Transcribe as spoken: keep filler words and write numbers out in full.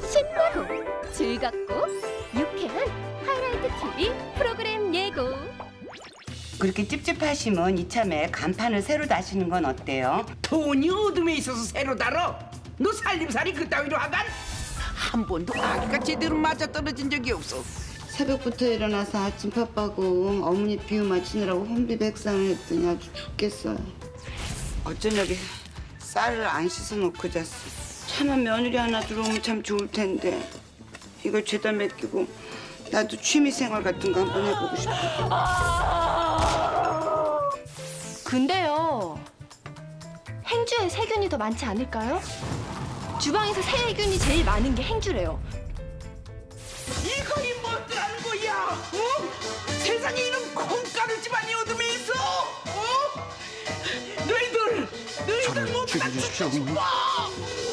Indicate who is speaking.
Speaker 1: 신나고 즐겁고 유쾌한 하이라이트 티비 프로그램 예고.
Speaker 2: 그렇게 찝찝하시면 이참에 간판을 새로 다시는 건 어때요?
Speaker 3: 돈이 어둠에 있어서 새로 달어. 너 살림살이 그따위로 하간? 한 번도 아기가 제대로 맞아떨어진 적이 없어.
Speaker 2: 새벽부터 일어나서 아침밥 하고 어머니 비유 맞추느라고 혼비백산을 했더니 아주 죽겠어요. 어쩌냐게 쌀을 안 씻어놓고 잤어. 차만 며느리 하나 들어오면 참 좋을 텐데 이걸 죄다 맡기고 나도 취미생활 같은 거 한번 해보고 싶어.
Speaker 1: 근데요, 행주에 세균이 더 많지 않을까요? 주방에서 세균이 제일 많은 게 행주래요.
Speaker 3: 이거이 뭐더라는 거야? 어? 세상에 이런 콩가루 집안이 어둠에 있어? 어? 너희들, 너희들
Speaker 4: 저를
Speaker 3: 못
Speaker 4: 죽여주십시오, 어머니.
Speaker 3: 봐!